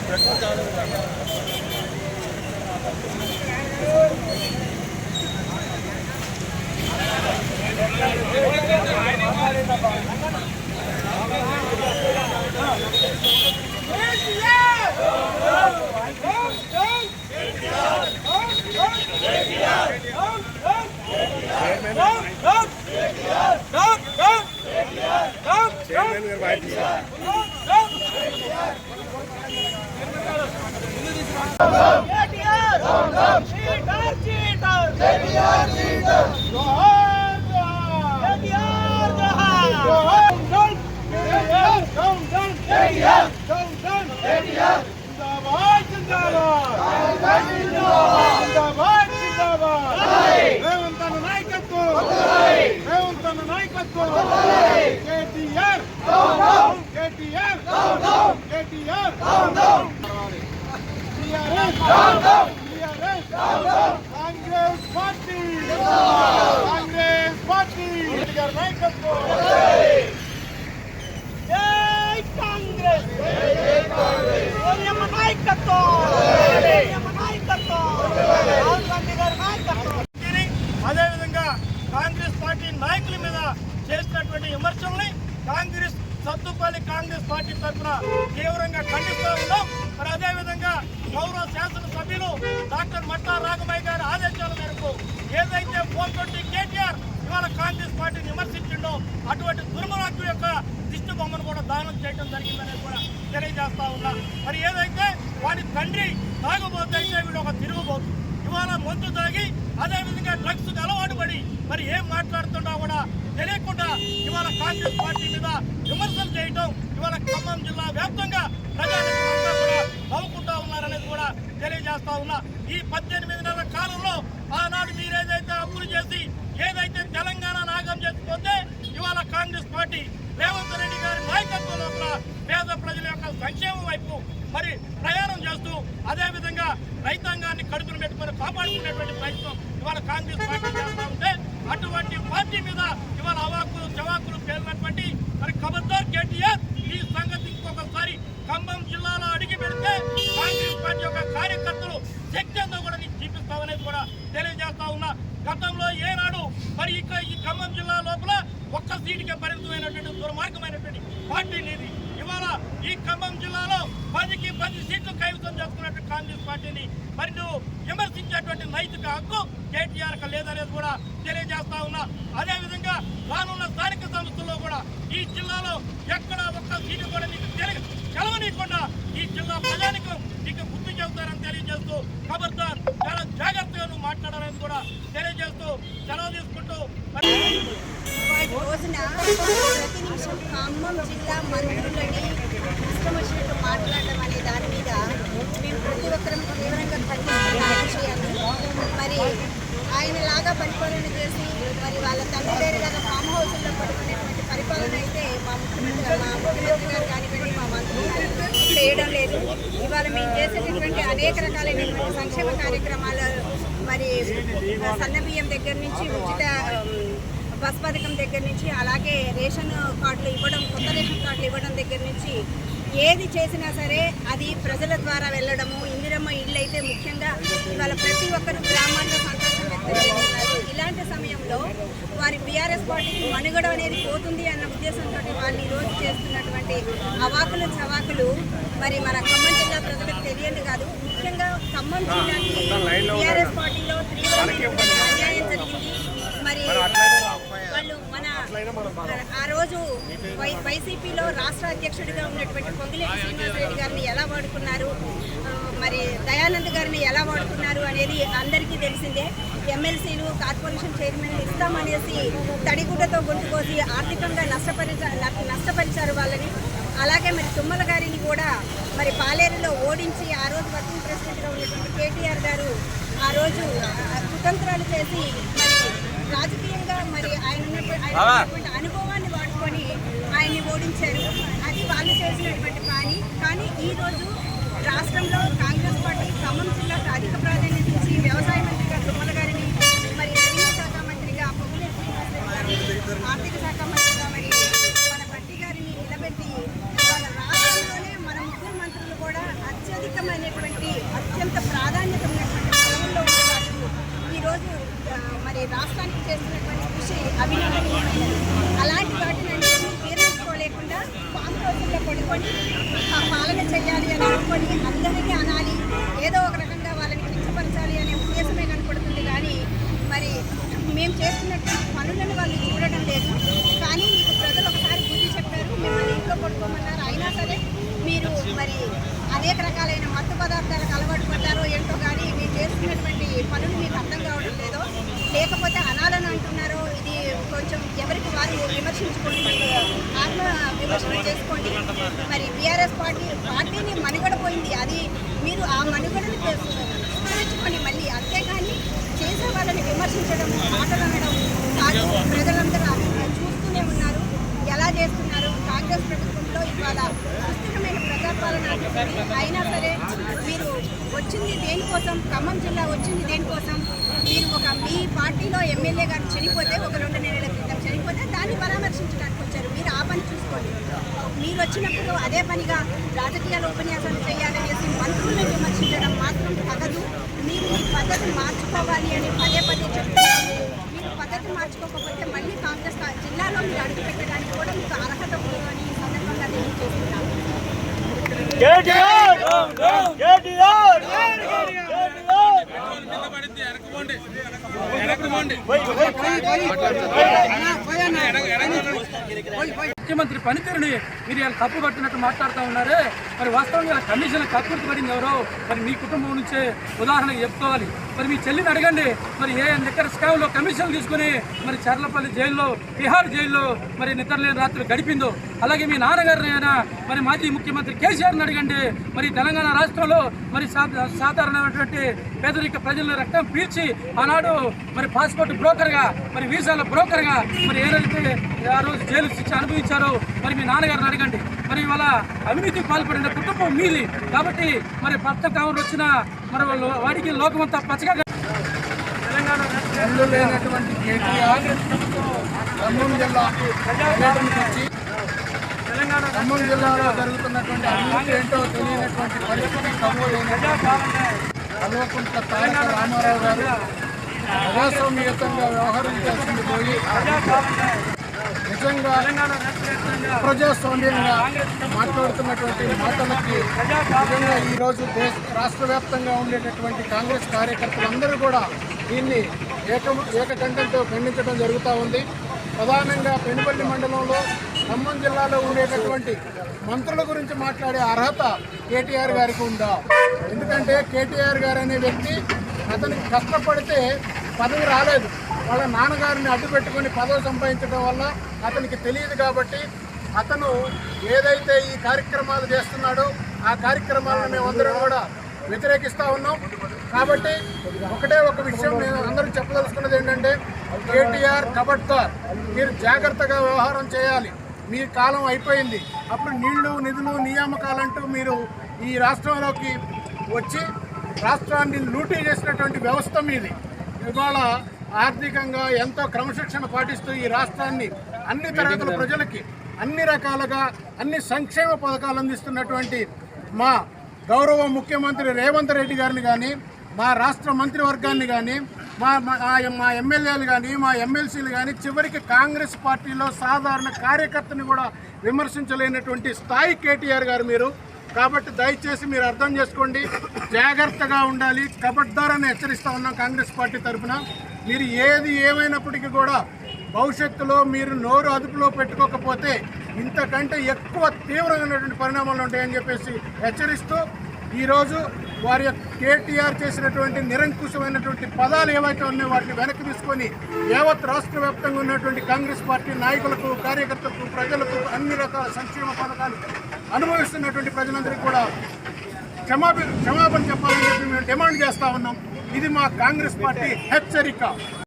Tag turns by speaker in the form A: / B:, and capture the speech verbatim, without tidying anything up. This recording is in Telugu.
A: కాంగ్రెస్ పార్టీ కాంగ్రెస్ పార్టీ నాయకత్వం జై కాంగ్రెస్ నాయకత్వం రాహుల్ గాంధీ గారి నాయకత్వం. అదేవిధంగా కాంగ్రెస్ పార్టీ నాయకుల మీద చేసినటువంటి విమర్శల్ని కాంగ్రెస్ సత్తుపల్లి కాంగ్రెస్ పార్టీ తరఫున తీవ్రంగా ఖండిస్తూ ఉన్నాం. మరి అదేవిధంగా గౌరవ శాసనసభ్యులు డాక్టర్ మట్టా రాఘమయ్య గారి ఆదేశాల మేరకు ఏదైతే ఫోర్ ట్వంటీ కేటీఆర్ ఇవాళ కాంగ్రెస్ పార్టీని విమర్శించిండో అటువంటి దుర్మార్గుల యొక్క దిష్టి బొమ్మను కూడా దానం చేయడం జరిగిందనేది కూడా తెలియజేస్తా ఉన్నా. మరి ఏదైతే వాడి తండ్రి తాగుబోతే వీడు ఒక తిరుగుబోతు ఇవాళ మందు తాగి అదేవిధంగా డ్రగ్స్ అలవాటు పడి మరి ఏం మాట్లాడుతుండో కూడా తెలియకుండా ఇవాళ కాంగ్రెస్ పార్టీ మీద విమర్శలు చేయడం ఇవాళ ఖమ్మం జిల్లా వ్యాప్తంగా ప్రజానికంతా కూడా నవ్వుకుంటా ఉన్నారనేది కూడా తెలియజేస్తా ఉన్నా. ఈ పద్దెనిమిది నెలల కాలంలో ఆనాడు మీరేదైతే అప్పులు చేసి ఏదైతే తెలంగాణ నాగం చేసిపోతే ఇవాళ కాంగ్రెస్ పార్టీ రేవంత్ రెడ్డి గారి నాయకత్వం లోపల పేద ప్రజల యొక్క సంక్షేమం వైపు మరి ప్రయాణం చేస్తూ అదేవిధంగా రైతాంగాన్ని కడుపును పెట్టుకొని కాపాడుకునేటువంటి ప్రయత్నం ఇవాళ కాంగ్రెస్ పార్టీ చేస్తా ఉంటే అటువంటి పార్టీ మీద ఇవాళ అవాకులు చవాకులు పేర్కొన్నటువంటి మరి ఖబర్దార్ కేటీఆర్ ఈ సంగతి ఇంకొకసారి ఖమ్మం జిల్లాలో అడిగి పెడితే కాంగ్రెస్ పార్టీ యొక్క కార్యకర్తలు శక్తి అంతా కూడా నీకు చూపిస్తామనేది కూడా తెలియజేస్తా ఉన్నా. గతంలో ఏనాడు మరి ఇక ఈ ఖమ్మం జిల్లా లోపల ఒక్క సీటుకే పరిమితమైనటువంటి దుర్మార్గమైనటువంటి పార్టీ నీది. ఇవాళ ఈ ఖమ్మం జిల్లాలో పదికి పది సీట్లు కైవసం చేసుకున్నటువంటి కాంగ్రెస్ పార్టీని మరి నువ్వు విమర్శించేటువంటి నైతిక హక్కు కేటీఆర్ లేదనేది కూడా తెలియజేస్తా ఉన్నా. అదేవిధంగా రానున్న స్థానిక సంస్థల్లో కూడా ఈ జిల్లాలో ఎక్కడ ఒక్క సీటు కూడా నీకు తెలియ కలవనీయకుండా ఈ జిల్లా ప్రజానికం నీకు గుర్తు చెబుతారని తెలియజేస్తూ ఖబర్దార్ చాలా జాగ్రత్తగా నువ్వు మాట్లాడాలని కూడా తెలియజేస్తూ సెలవు తీసుకుంటూ
B: రోజున ప్రతి నిమిషం ఖమ్మం జిల్లా మంత్రులని ఇష్టం వచ్చినట్టు మాట్లాడడం అనే దాని మీద మేము ప్రతి ఒక్కరం తీవ్రంగా ఖండిస్తున్న విషయాన్ని మరి ఆయనలాగా పరిపాలన చేసి మరి వాళ్ళ తండ్రి గారిలాగా ఫామ్ హౌస్లో పడుకునేటువంటి పరిపాలన అయితే మా ముఖ్యమంత్రి మా ముఖ్యమంత్రి గారు కానివ్వండి మా మంత్రులు చేయడం లేదు. ఇవాళ మేము చేసేటటువంటి అనేక రకాలైనటువంటి సంక్షేమ కార్యక్రమాలు మరి సన్నబియ్యం దగ్గర నుంచి ఉచిత బస్ పథకం దగ్గర నుంచి అలాగే రేషన్ కార్డులు ఇవ్వడం కొత్త రేషన్ కార్డులు ఇవ్వడం దగ్గర నుంచి ఏది చేసినా సరే అది ప్రజల ద్వారా వెళ్ళడము. ఇందిరమ్మ ఇళ్ళు అయితే ముఖ్యంగా ఇవాళ ప్రతి ఒక్కరు గ్రామాల్లో సంతోషం వ్యక్తం చేస్తున్నారు. ఇలాంటి సమయంలో వారి బీఆర్ఎస్ పార్టీకి మనుగడ అనేది పోతుంది అన్న ఉద్దేశంతో వాళ్ళు ఈరోజు చేస్తున్నటువంటి అవాకులు చవాకులు మరి మన ఖమ్మం జిల్లా ప్రజలకు తెలియదు కాదు. ముఖ్యంగా ఖమ్మం జిల్లాకి బీఆర్ఎస్ పార్టీలో తీవ్రమైనటువంటి అన్యాయం జరిగింది. మరి వాళ్ళు మన ఆ రోజు వై వైసీపీలో రాష్ట్ర అధ్యక్షుడిగా ఉన్నటువంటి పొంగిలేటి శ్రీనివాసరెడ్డి గారిని ఎలా వాడుకున్నారు, మరి దయానంద్ గారిని ఎలా వాడుకున్నారు అనేది అందరికీ తెలిసిందే. ఎమ్మెల్సీలు కార్పొరేషన్ చైర్మన్ ఇస్తామనేసి తడిగుడ్డతో గొంతుకోసి ఆర్థికంగా నష్టపరిచ నష్టపరిచారు వాళ్ళని. అలాగే మరి తుమ్మల గారిని కూడా మరి పాలేరులో ఓడించి ఆ రోజు వర్కింగ్ ప్రెసిడెంట్గా ఉన్నటువంటి కేటీఆర్ గారు ఆ రోజు కుతంత్రాలు చేసి మరి రాజకీయంగా మరి ఆయన ఉన్నటువంటి అనుభవాన్ని వాడుకొని ఆయన్ని ఓడించారు. అది వాళ్ళు చేసినటువంటి పని. కానీ ఈరోజు రాష్ట్రంలో కాంగ్రెస్ పార్టీ ఖమ్మం జిల్లాకు అధిక ప్రాధాన్యత ఇచ్చి వ్యవసాయ మంత్రిగా తుమ్మల గారిని మరి రెవెన్యూ శాఖ మంత్రిగా పొంగులేటి శ్రీనివాసరెడ్డి గారిని ఆర్థిక శాఖ మంత్రిగా మరి మన భట్టి గారిని నిలబెట్టి వాళ్ళ రాష్ట్రంలోనే మన ముగ్గురు మంత్రులు కూడా అత్యధిక కీలకమైనటువంటి అత్యంత ప్రాధాన్యత ఉన్నటువంటి పదవుల్లో ఉండేవాళ్ళు ఈరోజు ఆ, మరి రాష్ట్రానికి చేస్తున్నటువంటి కృషి అభినందనీయమైనది. అలాంటి వాటిని జీర్ణించుకోలేకుండా పాము రోజుల్లో పడుకొని ఆ పాలన చేయాలి అని అనుకొని అందరికీ అనాలి, ఏదో ఒక రకంగా వాళ్ళని కించపరచాలి అనే ఉద్దేశమే కనపడుతుంది. కానీ మరి మేము చేస్తున్నటువంటి పనులను వాళ్ళు చూడడం లేదు. కానీ మీకు ప్రజలు ఒకసారి బుద్ధి చెప్పారు, మిమ్మల్ని ఇంట్లో పడుకోమన్నారు. అయినా సరే మీరు మరి అనేక రకాలైన మత్తు పదార్థాలకు అలవాటు పడ్డారో ఏంటో కానీ మీరు చేస్తున్నటువంటి పనులు మీకు అర్థం కావడం లేదో, లేకపోతే అనాలని అంటున్నారో, ఇది కొంచెం ఎవరికి వారు విమర్శించుకోండి, మీరు ఆత్మ విమర్శన చేసుకోండి. మరి బీఆర్ఎస్ పార్టీ పార్టీని మనుగడ పోయింది, అది మీరు ఆ మనుగడను విమర్శించుకోండి మళ్ళీ. అంతేగాని చేసే వాళ్ళని విమర్శించడం, మాటలు అనడం కాదు. ప్రజలందరూ చూస్తూనే ఉన్నారు ఎలా చేస్తున్నారు. కాంగ్రెస్ ప్రభుత్వంలో ఇవాళ సుస్థిరమైన ప్రజాపాలన ఉంటుంది. అయినా సరే మీరు వచ్చింది దేనికోసం, ఖమ్మం జిల్లా వచ్చింది దేనికోసం, మీరు ఒక మీ పార్టీలో ఎమ్మెల్యే గారు చనిపోతే, ఒక రెండు నెలల క్రితం చనిపోతే దాన్ని పరామర్శించడానికి వచ్చారు. మీరు ఆ పని చూసుకోండి. మీరు వచ్చినప్పుడు అదే పనిగా రాజకీయాల ఉపన్యాసాలు చేయాలనేసి మంత్రులను విమర్శించడం మాత్రం తగదు. మీరు ఈ పద్ధతి మార్చుకోవాలి అని పదే పదే చెప్తున్నారు. మీరు పద్ధతి మార్చుకోకపోతే మళ్ళీ కాంగ్రెస్ జిల్లాలో మీరు అడుగు పెట్టడానికి కూడా మీకు అర్హత ఉందని ఈ సందర్భంగా తెలియజేస్తున్నాను.
C: ముఖ్యమంత్రి పనితీరుని మీరు ఇలా తప్పు పట్టినట్టు మాట్లాడుతూ ఉన్నారే, మరి వాస్తవంగా ఇలా కమిషన్ కక్కుర్తి పడింది ఎవరో మరి మీ కుటుంబం నుంచే ఉదాహరణకు చెప్పుకోవాలి. మరి మీ చెల్లిని అడగండి, మరి ఏ నిక్కర స్కామ్లో కమిషన్లు తీసుకుని మరి చర్లపల్లి జైల్లో, తిహార్ జైల్లో మరి నిద్రలేని రాత్రులు గడిపిందో, అలాగే మీ నాన్నగారిని అయినా మరి మాజీ ముఖ్యమంత్రి కేసీఆర్ని అడగండి. మరి తెలంగాణ రాష్ట్రంలో మరి సాధారణమైనటువంటి పేదరిక ప్రజల రక్తం పీల్చి ఆనాడు మరి పాస్పోర్ట్ బ్రోకర్గా, మరి వీసాల బ్రోకర్గా మరి ఏదైతే ఆ రోజు జైలు శిక్ష అనుభవించారో మరి మీ నాన్నగారిని అడగండి. మరి ఇవాళ అవినీతికి పాల్పడిన కుటుంబం మీది కాబట్టి మరి భర్త కావులు వచ్చిన మరి వాళ్ళు వాడికి లోకమంతా పచ్చగా తెలంగాణ
D: లేనటువంటి కేటీఆర్ ఖమ్మం జిల్లా పర్యటనకు వచ్చి
C: తెలంగాణ
D: ఖమ్మం జిల్లాలో జరుగుతున్నటువంటి అభివృద్ధి ఏంటో తెలియనటువంటి పరిస్థితి కల్వకుంట్ల తారక రామారావు గారు ప్రజాస్వామ్యయుతంగా వ్యవహరించాల్సింది పోయి నిజంగా ప్రజాస్వామ్యంగా మాట్లాడుతున్నటువంటి మాటలకి నిజంగా ఈరోజు దేశ రాష్ట్ర వ్యాప్తంగా ఉండేటటువంటి కాంగ్రెస్ కార్యకర్తలందరూ కూడా దీన్ని ఏక ఏకకంఠంతో ఖండించడం జరుగుతూ ఉంది. ప్రధానంగా పెనుపల్లి మండలంలో ఖమ్మం జిల్లాలో ఉండేటటువంటి మంత్రుల గురించి మాట్లాడే అర్హత కేటీఆర్ గారికి ఉందా? ఎందుకంటే కేటీఆర్ గారు అనే వ్యక్తి అతనికి కష్టపడితే పదవి రాలేదు, వాళ్ళ నాన్నగారిని అడ్డు పెట్టుకొని పదవి సంపాదించడం వల్ల అతనికి తెలియదు. కాబట్టి అతను ఏదైతే ఈ కార్యక్రమాలు చేస్తున్నాడో ఆ కార్యక్రమాలను మేమందరం కూడా వ్యతిరేకిస్తూ ఉన్నాం. కాబట్టి ఒకటే ఒక విషయం నేను అందరూ చెప్పదలుచుకున్నది ఏంటంటే, కేటీఆర్ కబడ్దార్, మీరు జాగ్రత్తగా వ్యవహారం చేయాలి. మీ కాలం అయిపోయింది. అప్పుడు నీళ్లు నిధులు నియామకాలంటూ మీరు ఈ రాష్ట్రంలోకి వచ్చి రాష్ట్రాన్ని లూటీ చేసినటువంటి వ్యవస్థ మీది. ఇవాళ ఆర్థికంగా ఎంతో క్రమశిక్షణ పాటిస్తూ ఈ రాష్ట్రాన్ని అన్ని తరగతుల ప్రజలకి అన్ని రకాలుగా అన్ని సంక్షేమ పథకాలు అందిస్తున్నటువంటి మా గౌరవ ముఖ్యమంత్రి రేవంత్ రెడ్డి గారిని కానీ, మా రాష్ట్ర మంత్రివర్గాన్ని కానీ, మా మా ఎమ్మెల్యేలు కానీ, మా ఎమ్మెల్సీలు కానీ, చివరికి కాంగ్రెస్ పార్టీలో సాధారణ కార్యకర్తని కూడా విమర్శించలేనటువంటి స్థాయి కేటీఆర్ గారు మీరు. కాబట్టి దయచేసి మీరు అర్థం చేసుకోండి, జాగ్రత్తగా ఉండాలి. కబడ్దారని హెచ్చరిస్తూ ఉన్నాం కాంగ్రెస్ పార్టీ తరఫున. మీరు ఏది ఏమైనప్పటికీ కూడా భవిష్యత్తులో మీరు నోరు అదుపులో పెట్టుకోకపోతే ఇంతకంటే ఎక్కువ తీవ్రమైనటువంటి పరిణామాలు ఉంటాయని చెప్పేసి హెచ్చరిస్తూ ఈరోజు వారి కేటీఆర్ చేసినటువంటి నిరంకుశమైనటువంటి పదాలు ఏవైతే ఉన్నాయో వాటిని వెనక్కి తీసుకొని యావత్ రాష్ట్ర వ్యాప్తంగా ఉన్నటువంటి కాంగ్రెస్ పార్టీ నాయకులకు, కార్యకర్తలకు, ప్రజలకు అన్ని రకాల సంక్షేమ పథకాలు అనుభవిస్తున్నటువంటి ప్రజలందరికీ కూడా క్షమాపణ క్షమాపణ చెప్పాలని చెప్పి మేము డిమాండ్ చేస్తూ ఉన్నాం. ఇది మా కాంగ్రెస్ పార్టీ హెచ్చరిక.